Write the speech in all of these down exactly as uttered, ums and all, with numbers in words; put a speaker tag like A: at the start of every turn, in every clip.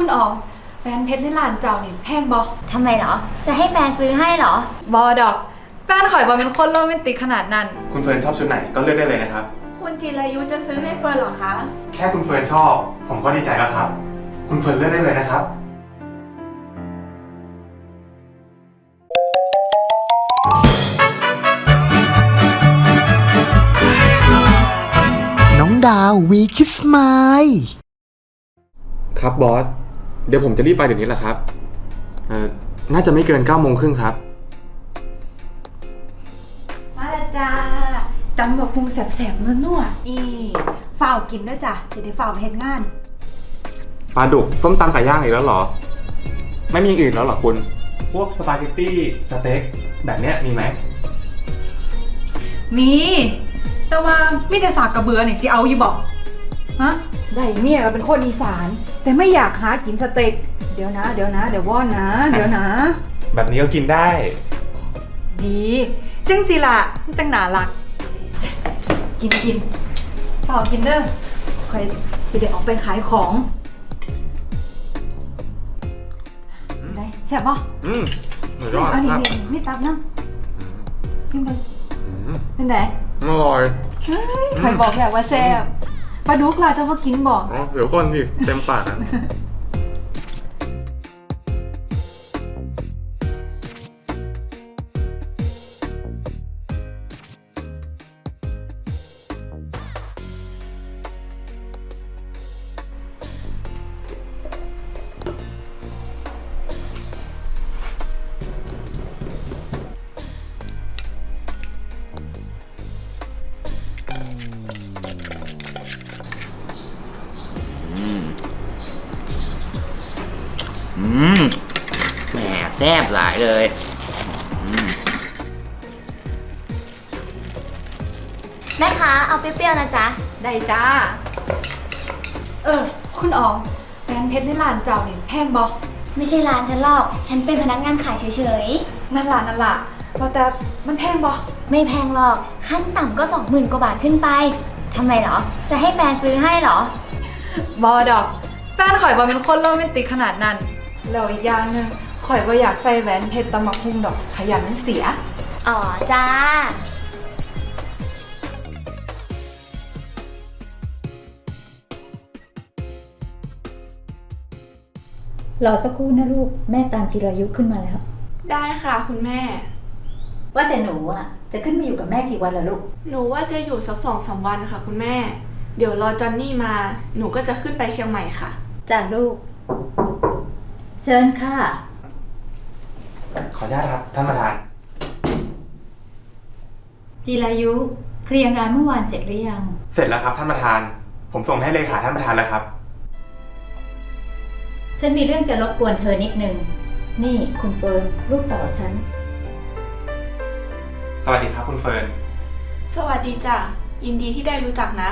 A: คุณออมแฟนเพชรในร้านเจ้านี่แพงบ่
B: ทำไมเหรอจะให้แฟนซื้อให้เหรอบ
A: อดอกแฟนข่อยบ่เป็นคนโรแมนติกขนาดนั้น
C: คุณเฟิร์นชอบชุดไหนก็เลือกได้เลยนะครับ
D: คุณจิรายุจะซื้อให้เฟิร์นเหรอคะ
C: แค่คุณเฟิร์นชอบผมก็ดีใจแล้วครับคุณเฟิร์นเลือกได้เลยนะครับ
E: น้องดาววีคิสมาย
C: ครับบอสเดี๋ยวผมจะรีบไปเดี๋ยวนี้แหละครับเอ่อน่าจะไม่เกินเก้าโมงครึ่งครับ
A: มาแล้วจ้าตำบักหุ่งแสบๆนัวๆอีฝ่าวกินด้วยจ้ะจะได้ฝ่าวไปเฮ็ดงาน
C: ปลาดุกส้มตำไก่ย่างอีกแล้วเหรอไม่มีอย่างอื่นแล้วเหรอคุณพวกสปาเกตตี้สเต็กแบบเนี้ยมีไหม
A: มีแต่ว่ามีแต่สากกระเบือนี่สิเอาอยู่บอกฮะได้เมียก็เป็นคนอีสานแต่ไม่อยากหากินสเต็กเดี๋ยวนะเดี๋ยวนะเดี๋ยวว่อนนะเดี๋ยวนะ
C: แบบนี้ก็กินได้
A: ดีจังสิล่ะจังหนาลักกินกินเปล่ากินเด้อคอยสิเดี๋ยวออกไปขายของได้แซ่บป่ะ
C: อืมหนูยอด
A: อันนี้นี่ไม่ตับน้ำกินไปเป็นไง
C: อร่อย
A: ใครบอกอยากว่าแซ่บปลาดุกล่ะจะมากินบอก
C: อ๋อเดี๋ยวก่อนดิเต็มปากนะ
F: อืมแหมแซ่บหลายเลย
B: แม่ค้าเอาเปรี้ยวๆนะจ๊ะ
A: ได้จ้าเออคุณออมแฟนเพชรในร้านเจ้านี่แพงบ่
B: ไม่ใช่ร้านฉันหรอกฉันเป็นพนักงานขายเฉย
A: ๆนั่นล่ะนั่นล่ะว่าแต่มันแพงบ่
B: ไม่แพงหรอกขั้นต่ำก็สองหมื่นกว่าบาทขึ้นไปทำไมเหรอจะให้แฟนซื้อให้เหร
A: อบอดอกแฟนข่อยบ่เป็นคนโรแมนติกขนาดนั้นแล้วอีกอย่างนึงข่อยบ่อยากใส่แหวนเพชรตำบักหุ่งดอกขยันมันเสีย
B: อ๋อจ้า
G: รอสักครู่นะลูกแม่ตามจิรายุขึ้นมาแล้ว
D: ได้ค่ะคุณแม่
G: ว่าแต่หนูอ่ะจะขึ้นมาอยู่กับแม่กี่วันล่ะลูก
D: หนูว่าจะอยู่สักสองสามวันค่ะคุณแม่เดี๋ยวรอจอนนี่มาหนูก็จะขึ้นไปเชียงใหม่ค่ะ
G: จ้าลูกเชิญค่ะ
C: ขออนุญาตครับท่านประธาน
G: จิรายุเคลียร์งานเมื่อวานเสร็จหรือยัง
C: เสร็จแล้วครับท่านประธานผมส่งให้เลขาท่านประธานแล้วครับ
G: ฉันมีเรื่องจะรบกวนเธอนิดนึงนี่คุณเฟิร์นลูกสาวฉัน
C: สวัสดีครับคุณเฟิร์น
D: สวัสดีจ้ะยินดีที่ได้รู้จักนะ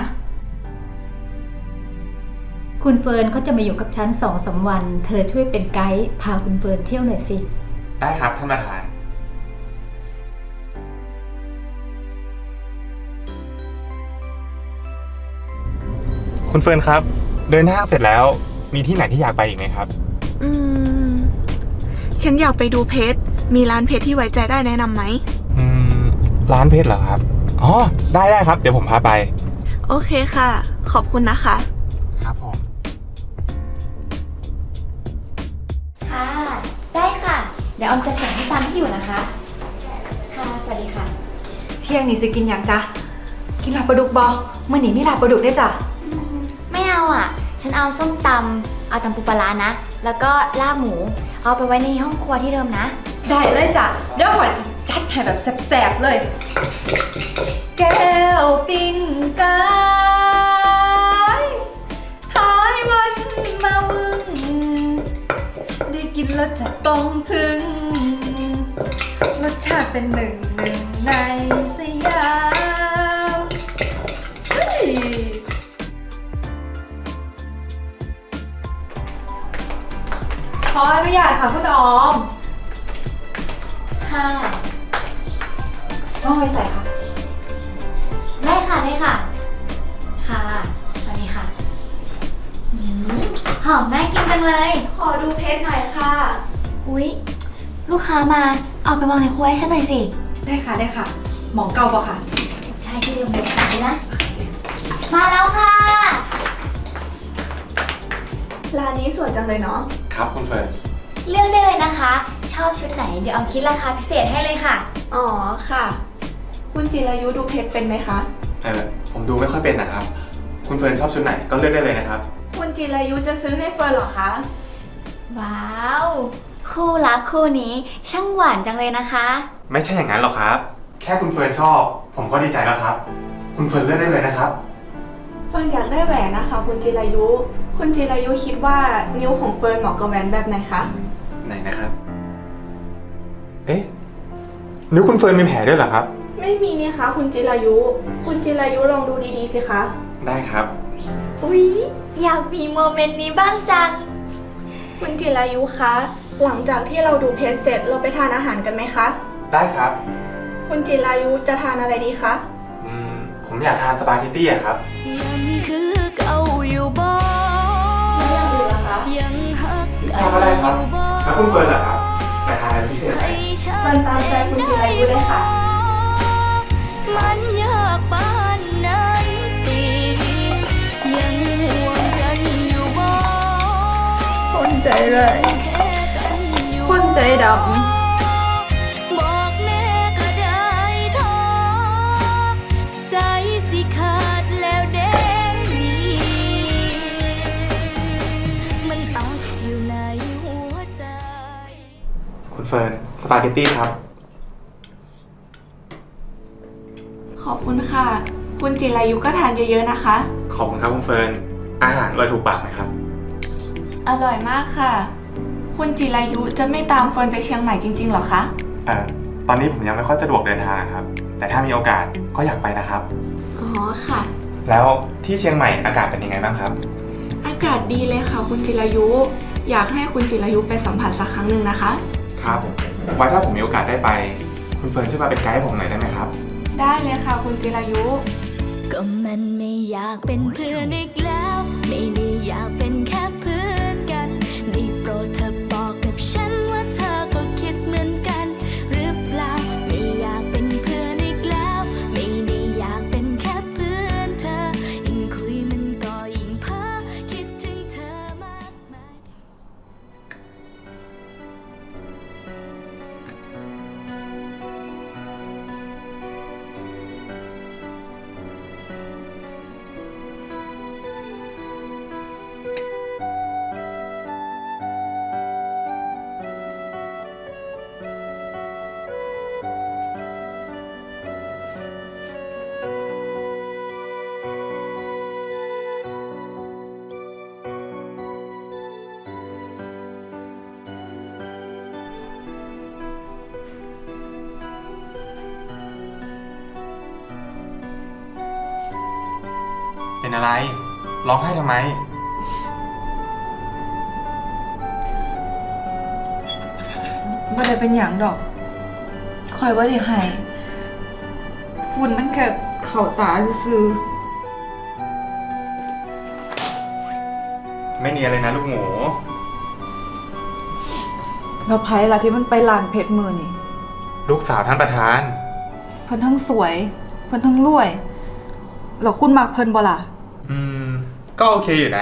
G: คุณเฟิร์นเขาจะมาอยู่กับฉันสองสามวันเธอช่วยเป็นไกด์พาคุณเฟิร์นเที่ยวหน่อยสิ
C: ได้ครับท่านประธานคุณเฟิร์นครับเดินห้างเสร็จแล้วมีที่ไหนที่อยากไปอีกไหมครับ
D: อืมฉันอยากไปดูเพชรมีร้านเพชรที่ไว้ใจได้แนะนำไหม
C: อืมร้านเพชรเหรอครับอ๋อได้ได้ครับเดี๋ยวผมพาไป
D: โอเคค่ะขอบคุณนะคะ
C: ครับผม
B: ค่ะได้ค่ะเดี๋ยวออมจะส่งให้ตามที่อยู่นะคะค่ะสวัสดีค่ะ
A: เที่ยงนี้สิกินอย่างจ๊ะกินลาบปลาดุกบ่เมื่อนี้มีลาบปลาดุกได้จ้ะ
B: ไม่เอาอ่ะฉันเอาส้มตำเอาตำปูปลาร้านะแล้วก็ลาบหมูเอาไปไว้ในห้องครัวที่เดิมนะ
A: ได้เลยจ้ะเดี๋ยวข่อยจะจัดให้แบบแซ่บๆเลยแก้วปิ้งไก่ท้ายวันมามึงได้กินแล้วจะต้องถึงรสชาติเป็นหนึ่งหนึ่งในสยามขออนุญาตค่ะคุณออม
B: ค่ะ
A: ต้องไปใส่ค่ะ
B: ได้ค่ะได้ค่ะค่ะสวัสดีค่ะหอมน่ากินจังเลย
D: ขอดูเพชรหน่อยค่ะ
B: อุ๊ย ลูกค้ามา เอาไปวางในครัวให้ฉันหน่อยสิ
A: ได้ค่ะได้ค่ะ หมองเก่าปะค่ะ
B: ใช่ที่เดิมเลยจ่ายนะ มาแล้วค่ะ
D: ร้านนี้สวยจังเลยเนาะ
C: ครับคุณเฟิร์น
B: เลือกได้เลยนะคะ ชอบชุดไหนเดี๋ยวเอาคิดราคาพิเศษให้เลยค่ะ
D: อ๋อค่ะ คุณจิรายุดูเพชรเป็นไหมคะ
C: เออผมดูไม่ค่อยเป็นนะครับ คุณเฟิร์นชอบชุดไหนก็เลือกได้เลยนะครับ
D: คุณจิรายุจะซื้อให้เฟิร์นเหรอคะ
B: ว้าว คู่รักคู่นี้ช่างหวานจังเลยนะคะ
C: ไม่ใช่อย่างนั้นหรอกครับ แค่คุณเฟิร์นชอบ ผมก็ดีใจแล้วครับ คุณเฟิร์นเลือกได้เลยนะครับ
D: เฟิร์นอยากได้แหวนนะคะ คุณจิรายุ คุณจิรายุคิดว่านิ้วของเฟิร์นเหมาะกับแหวนแบบไหนคะ
C: ไหนนะครับ เอ๊ะนิ้วคุณเฟิร์นมีแผลด้วยเหรอครับ
D: ไม่มีนี่คะคุณจิรายุ คุณจิรายุลองดูดีๆสิคะ
C: ได้ครับ
B: อุ๊ย อยากมีโมเมนต์นี้บ้างจัง
D: คุณจิรายุคะ หลังจากที่เราดูเพจเสร็จเราไปทานอาหารกันไหมคะ
C: ได้ครับ
D: คุณจิรายุจะทานอะไรดีคะ
C: อืม ผมอยากทานสปาเกตตี้อะครับ
H: ยังคือเก่าอยู่บ่
D: ไม่อยากดูเหรอคะ
H: ยังฮัก
C: ทานก็ได้ครับ แล้วคุณเฟิร์นล่ะครับไปทานอะไรพิเศษไหม
H: ให้ฉั
D: เฟิร์นตามใจคุณจิรายุเลยค่ะ
H: มันยากปานนั้นตียังห่วงกันอยู่บ่
A: คนใจเลย
H: แค่กันอยู่
A: คนใจด
H: บอกแน่ก็ได้ท้อใจสิขาดแล้วเด้นี่มันอักอยู่ในหัวใจ
C: คุณเฟิร์นสปาเกตตี้ครับ
D: ขอบคุณค่ะ คุณจิรายุก็ทานเยอะๆนะคะ
C: ขอบคุณครับคุณเฟิร์น อาหารอร่อยถูกปากไหมครับ
D: อร่อยมากค่ะ คุณจิรายุจะไม่ตามเฟิร์นไปเชียงใหม่จริงๆเหรอคะ
C: เอ่อ ตอนนี้ผมยังไม่ค่อยสะดวกเดินทางครับ แต่ถ้ามีโอกาสก็อยากไปนะครับ
D: อ๋อค่ะ
C: แล้วที่เชียงใหม่อากาศเป็นยังไงบ้างครับ
D: อากาศดีเลยค่ะ คุณจิรายุ อยากให้คุณจิรายุไปสัมผัสสักครั้งหนึ่งนะคะ
C: ครับ ไว้ถ้าผมมีโอกาสได้ไป คุณเฟิร์นช่วยมาเป็นไกด์ให้ผมหน่อยได้ไหมครับ
D: ได้เลยค่ะ คุณจิรายุ
H: ก็มันไม่อยากเป็นเพื่อนอีกแล้ว ไม่ได้อยากเป็นแค่เพื่อนกันได้โปรดเธอบอกกับฉันว่าเธอก็คิดเหมือนกันหรือเปล่าไม่อยากเป็นเพื่อนอีกแล้วไม่ได้อยากเป็นแค่เพื่อนเธอยิ่งคุยมันก็ยิ่งเพ้อคิดถึงเธอมากมาย
C: เป็นอะไร ร้องไห้ทำไม
A: ำไม่ได้เป็นอย่างดอก คอยว่าได้ให้ฝุ่นมันแค่เข่าตาซื่อ
C: ไม่เนียนเลยนะลูกหมู
A: ๆเราไพ่ละที่มันไปลานเพชรมือนี่
C: ลูกสาวท่านประธาน
A: เพิ่นทั้งสวย เพิ่นทั้งรวยแล้วคุณมักเพิ่นบ่ล่ะ
C: อืม ก็โอเคอยู่นะ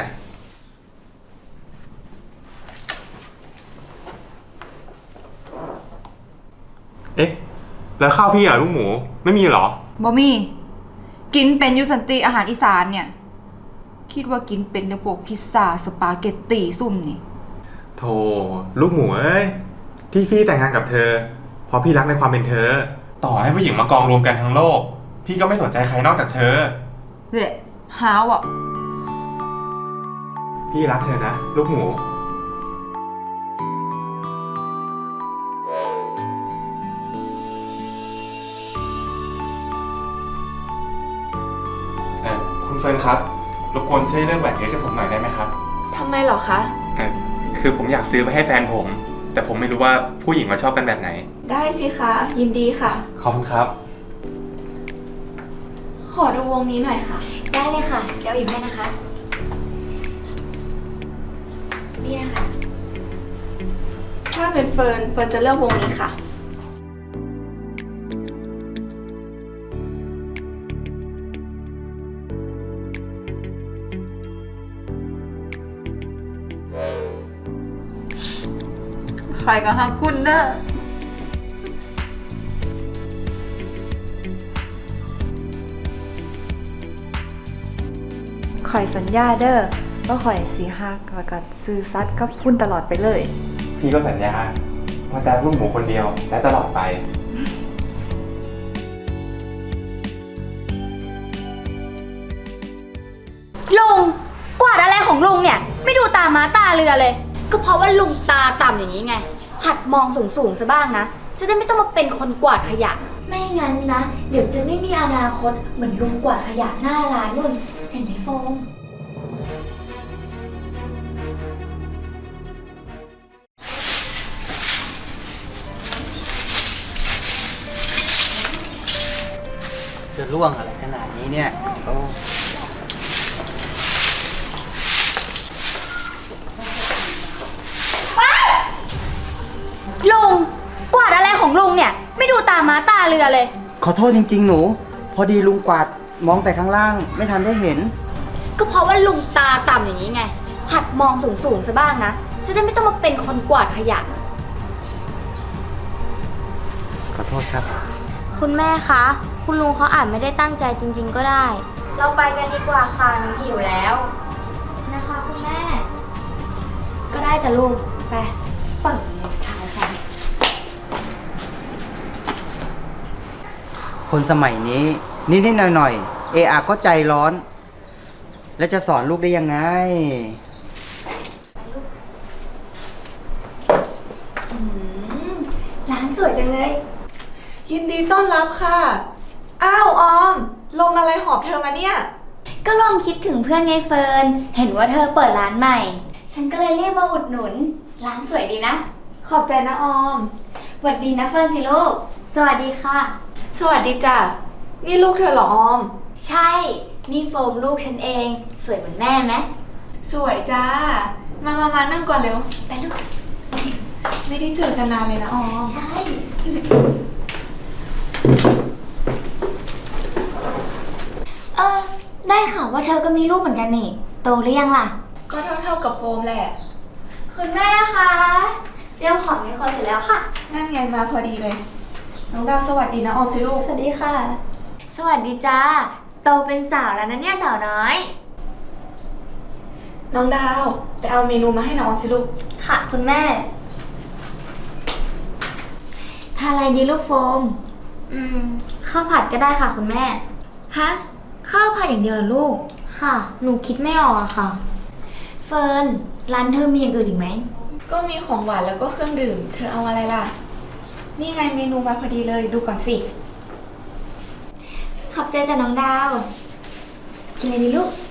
C: เอ๊ะ แล้วข้าวพี่อ่ะลูกหมู ไม่มีเหรอ
A: บ่มี กินเป็นอยูสันติอาหารอีสานเนี่ย คิดว่ากินเป็นในพวกพิซซ่าสปาเกตตีซุ่มนี่
C: โธ่ลูกหมูเอ้ย ที่พี่แต่งงานกับเธอ เพราะพี่รักในความเป็นเธอ ต่อให้ผู้หญิงมากองรวมกันทั้งโลก พี่ก็ไม่สนใจใครนอกจากเธอ
A: เละหาวอ่ะ
C: พี่รักเธอนะ ลูกหมู เออคุณเฟิร์นครับ รบกวนช่วยเลือกแหวนเพชรให้ผมหน่อยได้ไหมครับ
D: ทำไมเหรอคะ
C: เออคือผมอยากซื้อไปให้แฟนผม แต่ผมไม่รู้ว่าผู้หญิงมาชอบกันแบบไหน
D: ได้สิคะ ยินดีค่ะ
C: ขอบคุณครับ
D: ขอดูวงนี้หน่อยค่ะ
B: ได้เลยค่ะ เดี๋ยวหยิบให้นะคะพี่นะคะ
D: ถ้าเป็นเฟิร์น เฟิร์นจะเลือกวงนี้ค่ะ
A: ใครก็หาคุณนะข่อยสัญญาเด้อว่าข่อยสีหักแล้วก็ซื้อซัดกับพุ่นตลอดไปเลย
C: พี่ก็สัญญาว่าแต่ลูกหมูคนเดียวและตลอดไป
B: ลุงกวาดอะไรของลุงเนี่ย ไม่ดูตาม้าตาเรือเลย ก็เพราะว่าลุงตาต่ำอย่างนี้ไง หัดมองสูงสูงๆซะบ้างนะ จะได้ไม่ต้องมาเป็นคนกวาดขยะ ไม่งั้นนะ เดี๋ยวจะไม่มีอนาคตเหมือนลุงกวาดขยะหน้าร้านนู่น เห็นไหมโฟม
F: จะร่วงอะไรขนาดนี้เนี่ยโอ้
B: ลุงกวาดอะไรของลุงเนี่ย ไม่ดูตาม้าตาเรือเลย
F: ขอโทษจริงๆหนู พอดีลุงกวาดมองแต่ข้างล่างไม่ทันได้เห็น
B: ก็เพราะว่าลุงตาต่ำอย่างนี้ไง หัดมองสูงสูงๆซะบ้างนะ จะได้ไม่ต้องมาเป็นคนกวาดขยะ
F: ขอโทษครับ
B: คุณแม่คะ คุณลุงเขาอาจไม่ได้ตั้งใจจริง ๆ ก็ได้ เราไปกันดีกว่าค่ะหนูหิวแล้ว นะคะคุณแม่ ก็ได้จ้ะลุง ไป เปิดเลยทายค่ะ
F: คนสมัยนี้นิดๆหน่อยๆเออาก็ใจร้อน แล้วจะสอนลูกได้ยังไง
B: อืมร้านสวยจังเลย
D: ยินดีต้อนรับค่ะ อ้าวออม ลมอะไรหอบเธอมาเนี่ย
B: ก็ลองคิดถึงเพื่อนไงเฟิร์น เห็นว่าเธอเปิดร้านใหม่ ฉันก็เลยเรียกมาอุดหนุน ร้านสวยดีนะ
D: ขอบใจนะออม
B: สวัสดีนะเฟิร์นสิลูก สวัสดีค่ะ
D: สวัสดีจ้ะ นี่ลูกเธอเหรอออม
B: ใช่ นี่โฟมลูกฉันเอง สวยเหมือนแม่ไหม
D: สวยจ้า มามามานั่งก่อนเร็ว
B: ไปลูก
D: ไม่ได้เจอกันนานเลยนะออม
B: ใช่ เออ ได้ข่าวว่าเธอก็มีลูกเหมือนกันนี่ โตหรือยังล่ะ
D: ก็เท่าเท่าๆกับโฟมแหละ
B: คุณแม่คะเตรียมของในครัวเสร็จแล้วค่ะ
D: นั่นไงมาพอดีเลย น้องดาวสวัสดีนะออมสิลูก
B: สวัสดีค่ะ สวัสดีจ้า โตเป็นสาวแล้วนะเนี่ยสาวน้อย
D: น้องดาวไปเอาเมนูมาให้น้องออมสิลูก
B: ค่ะคุณแม่ ทานอะไรดีลูกโฟม อืม ข้าวผัดก็ได้ค่ะคุณแม่ ฮะ ข้าวผัดอย่างเดียวเหรอลูก ค่ะ หนูคิดไม่ออกอะค่ะ เฟิร์น ร้านเธอมีอย่างอื่นอีกไหม
D: ก็มีของหวานแล้วก็เครื่องดื่ม เธอเอาอะไรล่ะ นี่ไงเมนูมาพอดีเลยดูก่อนสิ
B: ขอบใจจ้ะน้องดาว กินอะไรดีลูก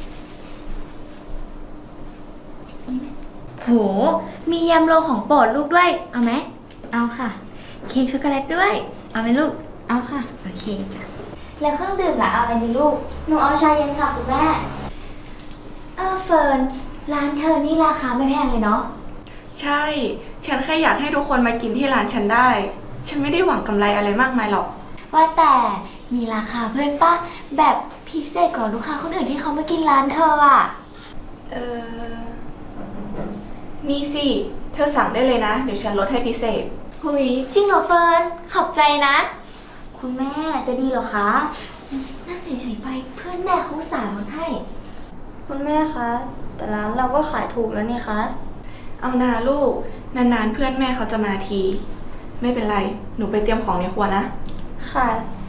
B: โห มียำโรของโปรดลูกด้วย เอาไหม เอาค่ะ เค้กช็อกโกแลตด้วย เอาไหมลูก เอาค่ะ โอเคจ้ะ แล้วเครื่องดื่มล่ะเอาอะไรดีลูก หนูเอาชาเย็นค่ะคุณแม่ เออเฟิร์น ร้านเธอนี่ราคาไม่แพงเลยเนาะ
D: ใช่ ฉันแค่อยากให้ทุกคนมากินที่ร้านฉันได้ ฉันไม่ได้หวังกำไรอะไรมากมายหรอก
B: ว่าแต่มีราคาเพื่อนป้าแบบพิเศษกว่าลูกค้าคนอื่นที่เขามากินร้านเธออ่ะ
D: เออมีสิ เธอสั่งได้เลยนะ เดี๋ยวฉันลดให้พิเศษ
B: หุยจริงเหรอเฟิร์น ขอบใจนะ คุณแม่จะดีเหรอคะ นั่งเฉยๆไปเพื่อนแม่เขาสาลดให้ คุณแม่คะ แต่ร้านเราก็ขายถูกแล้วนี่คะ
D: เอานาลูก นานๆเพื่อนแม่เขาจะมาที ไม่เป็นไร หนูไปเตรียมของในครัวนะ
B: ค่ะ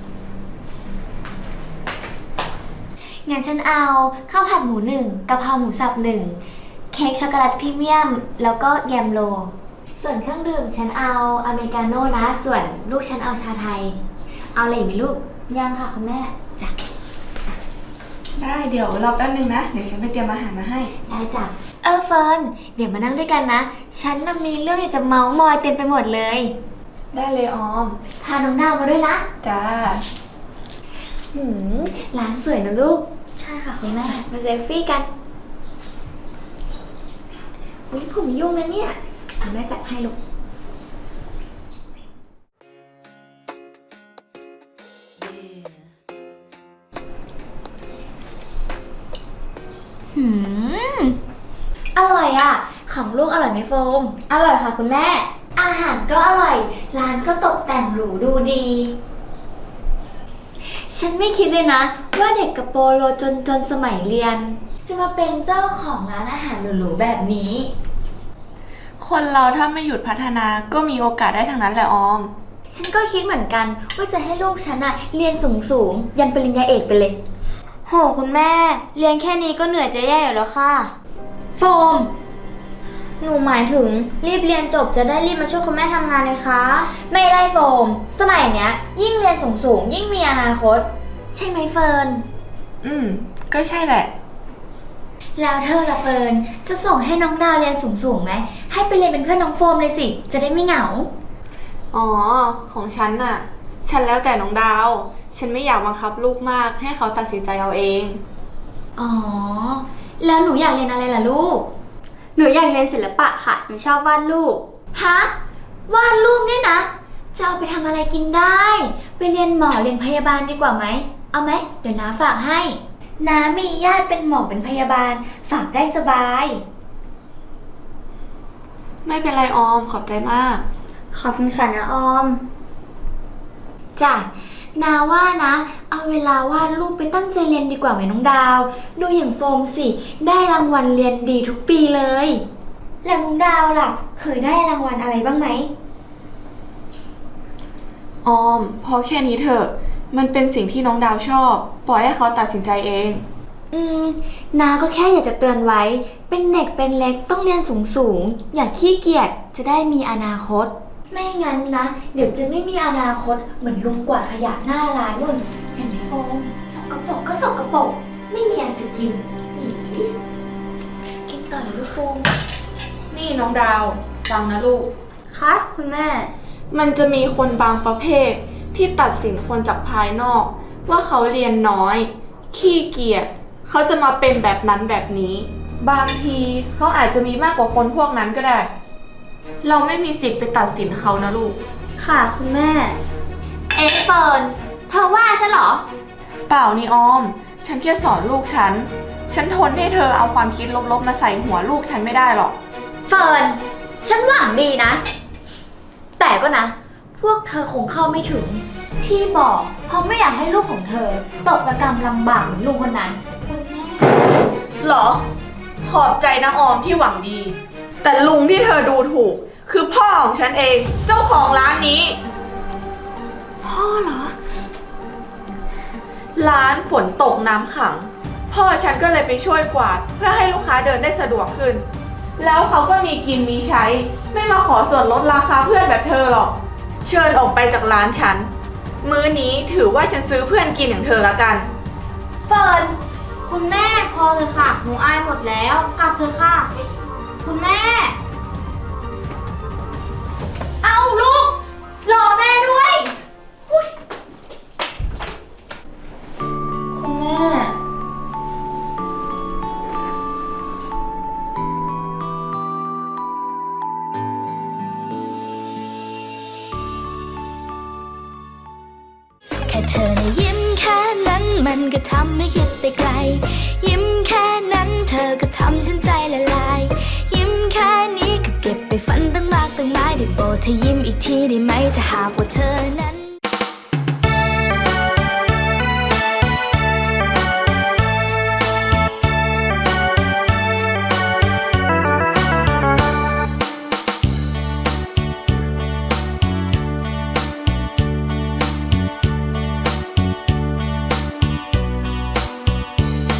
B: งั้นฉันเอาข้าวผัดหมูหนึ่งกะเพราหมูสับหนึ่งเค้กช็อกโกแลตพรีเมียม แล้วก็แยมโล ส่วนเครื่องดื่มฉันเอาอเมริกาโน่นะ ส่วนลูกฉันเอาชาไทย เอาอะไรอีกไหมลูก ยังค่ะคุณแม่จ้ะ
D: ได้เดี๋ยวรอแป๊บนึงนะ เดี๋ยวฉันไปเตรียมอาหารมาให้
B: ได้จ้ะ เออเฟิร์น เดี๋ยวมานั่งด้วยกันนะ ฉันน่ะมีเรื่องอยากจะเมาส์มอยเต็มไปหมดเลย
D: ได้เลยออม
B: พาน้องดาวมาด้วยนะ
D: จ้า
B: หืมร้านสวยนะลูก ใช่ค่ะคุณแม่ มาเซลฟี่กัน
D: โ
B: วิผมยุ่งนะเนี่ยเดี๋ยวแม่จัดให้ลูก หืม อร่อยอ่ะ ของลูกอร่อยไหมโฟม อร่อยค่ะคุณแม่ อาหารก็อร่อย ร้านก็ตกแต่งหรูดูดี ฉันไม่คิดเลยนะ ว่าเด็กกระโปโลจนจนสมัยเรียน จะมาเป็นเจ้าของร้านอาหารหรูๆแบบนี้
D: คนเราถ้าไม่หยุดพัฒนาก็มีโอกาสได้ทั้งนั้นแหละออม
B: ฉันก็คิดเหมือนกันว่าจะให้ลูกฉันอะเรียนสูงๆยันปริญญาเอกไปเลย โหคุณแม่ เรียนแค่นี้ก็เหนื่อยจะแย่อยู่แล้วค่ะโฟม หนูหมายถึงรีบเรียนจบจะได้รีบมาช่วยคุณแม่ทำงานเลยคะไม่ได้โฟม สมัยเนี้ย ยิ่งเรียนสูงๆยิ่งมีอนาคต ใช่ไหมเฟิร์น
D: อืม ก็ใช่แหละ
B: แล้วเธอละเฟิร์นจะส่งให้น้องดาวเรียนสูงๆไหมให้ไปเรียนเป็นเพื่อนน้องโฟมเลยสิจะได้ไม่เหงา
D: อ๋อ ของฉันน่ะ ฉันแล้วแต่น้องดาว ฉันไม่อยากบังคับลูกมากให้เขาตัดสินใจเอาเอง
B: อ๋อ แล้วหนูอยากเรียนอะไรล่ะลูก
I: หนูอยากเรียนศิลปะค่ะ หนูชอบวาดรูป
B: ฮะ วาดรูปเนี่ยนะ จะเอาไปทำอะไรกินได้ ไปเรียนหมอเรียนพยาบาลดีกว่าไหม เอาไหม เดี๋ยวน้าฝากให้ น้ามีญาติเป็นหมอเป็นพยาบาล ฝากได้สบาย
D: ไม่เป็นไรออม ขอบใจมาก
B: ขอบคุณค่ะนะออม จ้ะ นาว่านะ เอาเวลาวาดรูปไปตั้งใจเรียนดีกว่าไหมน้องดาว ดูอย่างโฟมสิ ได้รางวัลเรียนดีทุกปีเลย แล้วน้องดาวล่ะ เคยได้รางวัลอะไรบ้างไหม
D: ออม พอแค่นี้เถอะ มันเป็นสิ่งที่น้องดาวชอบ ปล่อยให้เขาตัดสินใจเอง
B: อืม นาก็แค่อยากจะเตือนไว้ เป็นเด็กเป็นเล็กต้องเรียนสูงสูงๆอย่าขี้เกียจ จะได้มีอนาคต ไม่งั้นนะ เดี๋ยวจะไม่มีอนาคตเหมือนลุงกวาดขยะหน้าร้านนู่น เห็นไหมโฟมสกปรกก็สกปรกไม่มีอะไรจะกินอีกินต่อเลยลูกโฟม
D: นี่น้องดาว ฟังนะลูก
I: คะคุณแม่
D: มันจะมีคนบางประเภทที่ตัดสินคนจากภายนอก ว่าเขาเรียนน้อย ขี้เกียจเขาจะมาเป็นแบบนั้นแบบนี้ บางทีเขาอาจจะมีมากกว่าคนพวกนั้นก็ได้ เราไม่มีสิทธิ์ไปตัดสินเขานะลูก
I: ค่ะคุณแม่
B: เอ๊ะเฟิร์นเธอว่าฉันเหรอ
D: เปล่านี่ออม ฉันแค่สอนลูกฉัน ฉันทนให้เธอเอาความคิดลบๆมาใส่หัวลูกฉันไม่ได้หรอก
B: เฟิร์นฉันหวังดีนะ แต่ก็นะ พวกเธอคงเข้าไม่ถึง ที่บอกเพราะไม่อยากให้ลูกของเธอ ตกระกำลำบากเหมือนลุงคนนั้นคนแม่
D: หรอ ขอบใจนะออมที่หวังดี แต่ลุงที่เธอดูถูก คือพ่อของฉันเอง เจ้าของร้านนี้
B: พ่อเหรอ
D: ร้านฝนตกน้ำขัง พ่อฉันก็เลยไปช่วยกวาดเพื่อให้ลูกค้าเดินได้สะดวกขึ้น แล้วเขาก็มีกินมีใช้ ไม่มาขอส่วนลดราคาเพื่อนแบบเธอหรอก เชิญออกไปจากร้านฉัน มื้อนี้ถือว่าฉันซื้อเพื่อนกินอย่างเธอละกัน
B: เฟิร์นคุณแม่พอเลยค่ะ หนูอายหมดแล้วกลับเถอะค่ะ คุณแม่ เอาลูก รอแม่ด้วยอุ๊ยคุณแม่
H: แค่เธอนะยิ้มแค่นั้นมันก็ทำให้คิดไปไกล ยิ้มแค่นั้นเธอก็ทำฉันใจละลาย ยิ้มแค่นี้ก็เก็บไปฝันตั้งมากตั้งหลายได้โปรดเธอยิ้มอีกทีได้ไหมถ้าหากว่าเธอนั้น